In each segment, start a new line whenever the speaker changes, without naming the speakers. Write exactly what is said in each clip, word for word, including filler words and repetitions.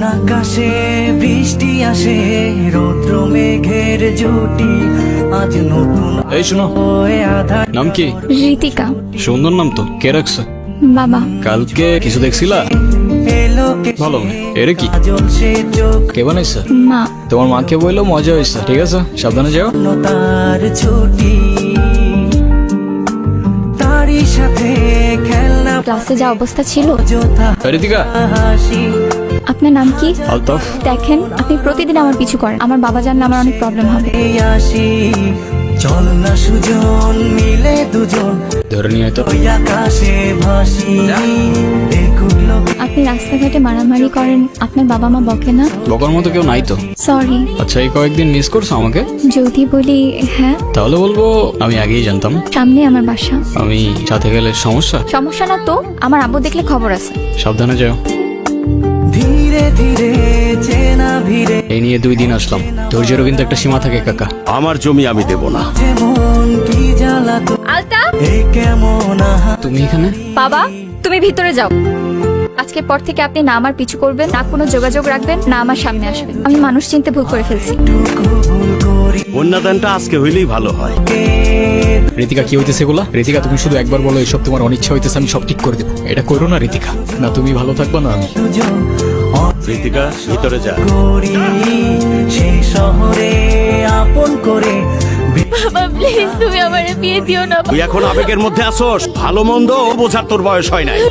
আকাশে বৃষ্টি আসে, রৌদ্র মেঘের জুটি, আজ নতুন
এই শোনো,
হয়ে আধার।
নাম কি?
ঋতিকা।
সুন্দর নাম তো, কে রাখছে?
বাবা।
কালকে কিছু দেখছিলা?
এলো কে
ভালো। এর কি
কাজল সে চোখ,
কে বানাইছে?
মা।
তোমার মাকে বললো মজা হয়েছে। ঠিক আছে, সাবধানে যাও।
তার ছুটি, তারই সাথে খেলনা
ক্লাসে যা অবস্থা ছিল।
অযথা
এই ঋতিকা।
হাসি।
আপনার নাম কি?
আলতাফ।
দেখেন, আপনি প্রতিদিন আমার পিছু করেন। আমার বাবা জানলে আমার অনেক প্রবলেম হবে।
এই আসি, চল না সুজন মিলে দুজন,
ধরে নিয়ে তো।
ওই আকাশে ভাসি। দেখুক লোক
আপনি রাস্তাঘাটে মারামারি করেন, আপনার বাবা মা বকে না?
বকার মতো কেউ নাই তো।
সরি।
আচ্ছা, এই কয়েকদিন মিস করছো আমাকে?
যদি বলি হ্যাঁ।
তাহলে বলবো আমি আগেই জানতাম।
সামনে আমার বাসা।
আমি সাথে গেলে সমস্যা?
সমস্যা না তো, আমার আব্বু দেখলে খবর আছে।
সাবধানে যাও।
ধীরে ধীরে চেনা ভিড়ে,
এই নিয়ে দুই দিন আসলাম। ধৈর্যেরও কিন্তু একটা সীমা থাকে কাকা।
আমার জমি আমি দেব না।
যেমন কি জ্বালা তো
আলতা।
এ কেমন আহা।
তুমি এখানে?
বাবা, তুমি ভিতরে যাও। আজকের পর থেকে আপনি না আমার পিছু করবেন, না কোনো যোগাযোগ রাখবেন, না আমার সামনে আসবেন। আমি মানুষ চিনতে ভুল করে ফেলছি।
টুকু ভুল করি
কন্যাদানটা আজকে হইলেই ভালো হয়।
কে
ঋতিকা, কি হইতেছে এগুলা? ঋতিকা, তুমি শুধু একবার বলো এসব তোমার অনিচ্ছা হইতেছে, আমি সব ঠিক করে দেবো। এটা করো না ঋতিকা। না তুমি ভালো থাকবা না আমি।
দুজন
ঋতিকা, ভিতরে যা।
করি সেই শহরে আপন করে।
বাবা প্লিজ, তুমি আমারে বিয়ে দিও না।
তুই এখন আবেগের মধ্যে আসোস। ভালো মন্দ বোঝার তোর বয়স হয় নাই।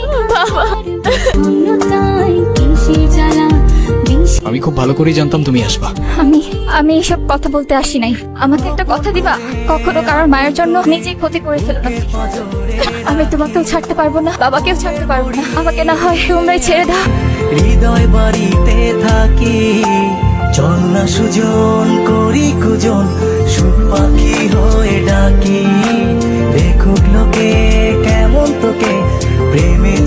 আমি খুব ভালো করেই জানতাম তুমি আসবা।
আমি আমি এসব কথা বলতে আসি নাই। আমাকে একটা কথা দিবা, কখনো কারোর মায়ের জন্য নিজেই ক্ষতি করে ফেলবে। আমি তোমাকেও ছাড়তে পারবো না, বাবাকেও ছাড়তে পারবো না। আমাকে না হয় তোমরাই ছেড়ে দাও।
হৃদয় বাড়িতে থাকি, চল না সুজন করি কুজন, সুখ পাখি হয়ে ডাকি। দেখুক লোকে কেমন তোকে, প্রেমে